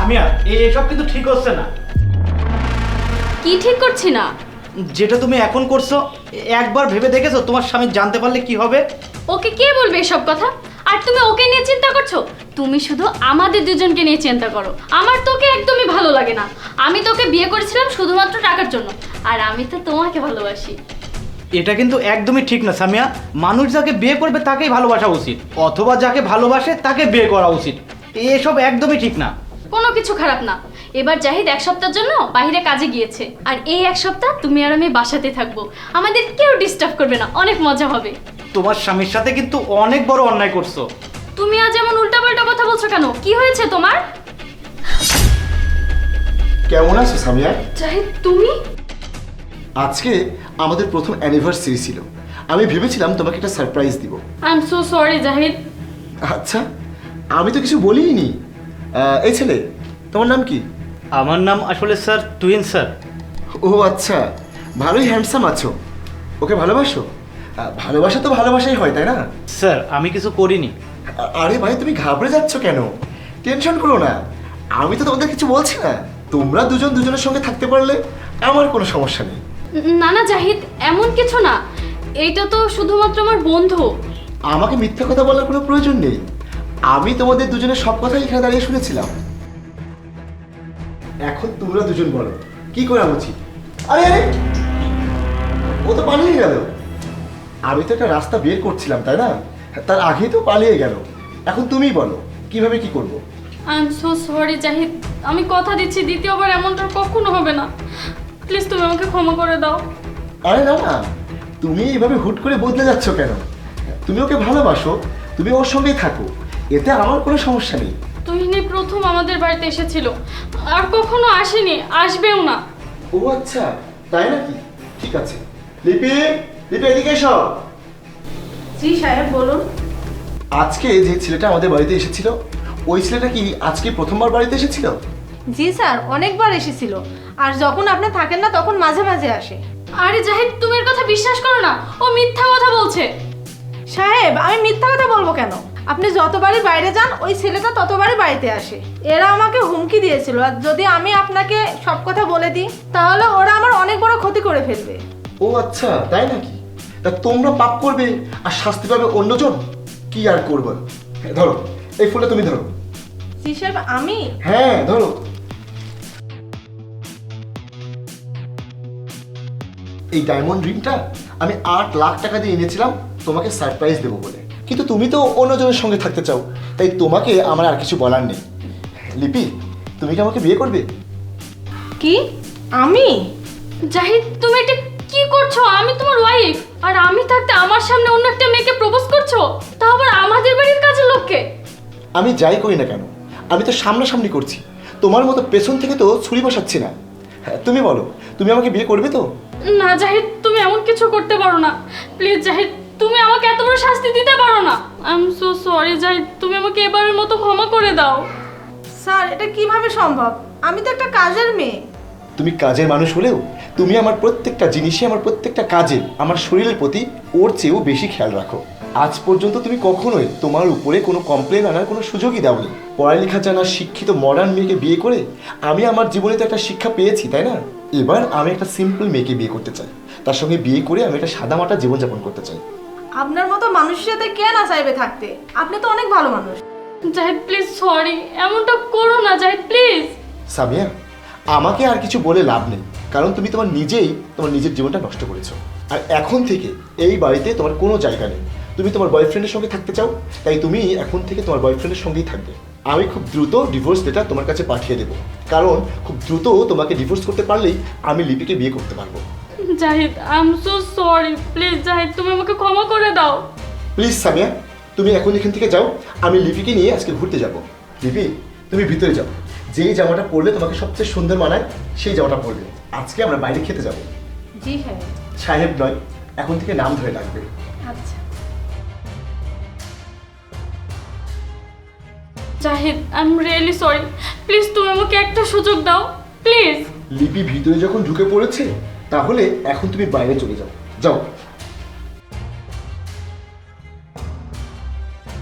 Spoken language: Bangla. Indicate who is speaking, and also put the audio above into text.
Speaker 1: সামিয়া এসব কিন্তু ঠিক হচ্ছে না।
Speaker 2: কি ঠিক করছি না?
Speaker 1: যেটা তুমি এখন করছো, একবার ভেবে দেখেছো তোমার স্বামী জানতে পারলে কি হবে?
Speaker 2: ওকে কে বলবে এসব কথা? আর তুমি ওকে নিয়ে চিন্তা করছো? তুমি শুধু আমাদের দুজনকে নিয়ে চিন্তা করো। আমার তোকে একদমই ভালো লাগে না। আমি তোকে বিয়ে করেছিলাম শুধুমাত্র টাকার জন্য, আর আমি তো তোমাকে ভালোবাসি।
Speaker 1: এটা কিন্তু একদমই ঠিক না সামিয়া। মানুষ যাকে বিয়ে করবে তাকেই ভালোবাসা উচিত, অথবা যাকে ভালোবাসে তাকে বিয়ে করা উচিত। এসব একদমই ঠিক না।
Speaker 2: কোনো কিছু খারাপ না। এবার জাহিদ এক সপ্তাহের জন্য বাইরে কাজে গিয়েছে, আর এই এক সপ্তাহ তুমি আর আমি বাসাতে থাকবো। আমাদের কেউ ডিস্টার্ব করবে না, অনেক মজা হবে।
Speaker 1: তোমার স্বামীর সাথে কিন্তু অনেক বড় অন্যায় করছো।
Speaker 2: তুমি আজ এমন উল্টাপাল্টা কথা বলছো কেন? কি হয়েছে তোমার?
Speaker 3: কেমন আছো সামিয়া?
Speaker 2: জাহিদ তুমি?
Speaker 3: আজকে আমাদের প্রথম অ্যানিভার্সারি ছিল। আমি ভেবেছিলাম তোমাকে একটা সারপ্রাইজ দিব।
Speaker 2: I am so sorry Zahid.
Speaker 3: আচ্ছা, আমি তো কিছু বলিনি। এই ছেলে, তোমার নাম কি?
Speaker 1: আমার নাম আসলে স্যার টুইন স্যার।
Speaker 3: ও আচ্ছা, ভালোই হ্যান্ডসাম আছো। ওকে ভালোবাসো? ভালোবাসা তো ভালোবাসাই হয়, তাই না?
Speaker 1: স্যার আমি কিছু করিনি।
Speaker 3: আরে ভাই, তুমি ঘাবড়ে যাচ্ছ কেন? টেনশন করো না, আমি তো তোমাদের কিছু বলছি না। তোমরা দুজন দুজনের সঙ্গে থাকতে পারলে আমার কোনো সমস্যা নেই।
Speaker 2: না না জাহিদ, এমন কিছু না। এইটা তো শুধুমাত্র আমার বন্ধু।
Speaker 3: আমাকে মিথ্যা কথা বলার কোনো প্রয়োজন নেই। আমি তোমাদের দুজনের সব কথাই এখানে দাঁড়িয়ে শুনেছিলাম। এখন তোমরা দুজন বলো কি করা উচিত? আরে আরে, ও তো পালিয়ে গেল। আমি তো একটা রাস্তা বের করছিলাম, তাই না? তার আগেই তো পালিয়ে গেল। এখন তুমিই বলো কিভাবে কি করব।
Speaker 2: I am so sorry Zahid. আমি কথা দিচ্ছি দ্বিতীয়বার এমনটা কখনো হবে না। প্লিজ তুমি আমাকে ক্ষমা করে দাও।
Speaker 3: আরে না না, তুমি এইভাবে হুট করে বদলে যাচ্ছ কেন? তুমি ওকে ভালোবাসো, তুমি ওর সঙ্গেই থাকো, এতে আমার কোনো সমস্যা নেই।
Speaker 2: তুহিনী প্রথম আমাদের বাড়িতে এসেছিল, আর কখনো আসেনি, আসবেও না।
Speaker 3: ও আচ্ছা, তাই নাকি? ঠিক আছে। লিপি, লিপি এদিকে এসো।
Speaker 4: জি সাহেব বলুন।
Speaker 3: আজকে যে ছেলেটা আমাদের বাড়িতে এসেছিল, ওই ছেলেটা কি আজকে প্রথমবার বাড়িতে এসেছিল?
Speaker 4: জি স্যার, অনেকবার এসেছিল, আর যখন আপনি থাকেন না তখন মাঝে মাঝে আসে।
Speaker 2: আরে জাহিদ তুমি এর কথা বিশ্বাস করো না, ও মিথ্যা কথা বলছে।
Speaker 4: সাহেব, আমি মিথ্যা কথা বলবো কেন? আপনি যতবারই বাইরে যান ওই ছেলেটা ততবারই বাড়িতে আসে। এরা আমাকে হুমকি দিয়েছিল, আর যদি আমি আপনাকে সব কথা বলে দিই তাহলে ওরা আমার অনেক বড় ক্ষতি করে ফেলবে।
Speaker 3: ও আচ্ছা, তাই নাকি? তা তোমরা পাপ করবে আর শাস্তি পাবে অন্যজন। কি আর করবে? ধরো এই ফুলটা, তুমি ধরো।
Speaker 4: জি সাহেব, আমি?
Speaker 3: হ্যাঁ ধরো। এই ডায়মন্ড রিংটা আমি 8 লাখ টাকা দিয়ে এনেছিলাম তোমাকে সারপ্রাইজ দেবো বলে, কিন্তু তুমি তো অন্যজনের সঙ্গে থাকতে চাও, তাই তোমাকে আমার আর কিছু বলার নেই। লিপি, তুমি কি আমাকে বিয়ে করবে?
Speaker 4: কি? আমি?
Speaker 2: জাহিদ তুমি এটা কি করছো? আমি তোমার ওয়াইফ, আর আমি থাকতে আমার সামনে অন্য একটা মেয়েকে প্রপোজ করছো, তাও আবার আমাদের বাড়ির কাজের লোককে।
Speaker 3: আমি যাই করি না কেন, আমি তো সামনাসামনি করছি, তোমার মতো পেছন থেকে তো ছুরি বসাচ্ছি না। হ্যাঁ, তুমি বলো, তুমি আমাকে বিয়ে করবে তো?
Speaker 2: না জাহিদ, তুমি এমন কিছু করতে পারো না। প্লিজ জাহিদ, তুমি আমাকে এত বড় শাস্তি দিতে পারো না। I am so sorry Zahid, তুমি আমাকে এবারের মতো ক্ষমা করে দাও।
Speaker 4: স্যার, এটা কিভাবে সম্ভব? আমি তো একটা কাজের মেয়ে।
Speaker 3: তুমি কাজের মানুষ হলেও তুমি আমার প্রত্যেকটা জিনিসে, আমার প্রত্যেকটা কাজে, আমার শরীরের প্রতি ওর চেয়েও বেশি খেয়াল রাখো। আজ পর্যন্ত তুমি কখনোই তোমার উপরে কোনো কমপ্লেন আনার কোনো সুযোগই দাওনি। পড়ালেখা জানা শিক্ষিত মডার্ন মেয়েকে বিয়ে করে আমি আমার জীবনে তো একটা শিক্ষা পেয়েছি, তাই না? এবার আমি একটা সিম্পল মেয়েকে বিয়ে করতে চাই, তার সঙ্গে বিয়ে করে আমি একটা সাদামাটা জীবনযাপন করতে চাই।
Speaker 4: আপনার মতো মানুষের সাথে কে না চাইবে থাকতে? আপনি তো অনেক ভালো মানুষ।
Speaker 2: জাহিদ প্লিজ সরি, এমনটা করো না জাহিদ প্লিজ।
Speaker 3: সামিয়া, আমাকে আর কিছু বলে লাভ নেই, কারণ তুমি তোমার নিজের জীবনটা নষ্ট করেছো। আর এখন থেকে এই বাড়িতে তোমার কোনো জায়গা নেই। তুমি তোমার বয়ফ্রেন্ডের সঙ্গে থাকতে চাও, তাই তুমি এখন থেকে তোমার বয়ফ্রেন্ডের সঙ্গেই থাকবে। আমি খুব দ্রুত ডিভোর্স লেটার তোমার কাছে পাঠিয়ে দেবো, কারণ খুব দ্রুত তোমাকে ডিভোর্স করতে পারলেই আমি লিপিকে বিয়ে করতে পারবো।
Speaker 2: Zahid I am so sorry, please Zahid তুমি আমাকে ক্ষমা করে দাও।
Speaker 3: প্লিজ সামিয়া, তুমি এখন এখান থেকে যাও, আমি লিপিকে নিয়ে আজকে ঘুরতে যাব। লিপি, তুমি ভিতরে যাও, যেই জামাটা পরলে তোমাকে সবচেয়ে সুন্দর মানায় সেই জামাটা পরবে। আজকে আমরা বাইরে খেতে যাব।
Speaker 4: জি সাহেব।
Speaker 3: সাহেব নয়, এখন থেকে নাম ধরে ডাকবে।
Speaker 4: আচ্ছা।
Speaker 2: Zahid I am really sorry, please তুমি আমাকে একটা সুযোগ দাও প্লিজ।
Speaker 3: লিপি ভিতরে যখন ঢুকে পড়েছে, তাহলে এখন তুমি বাইরে চলে যাও। যাও।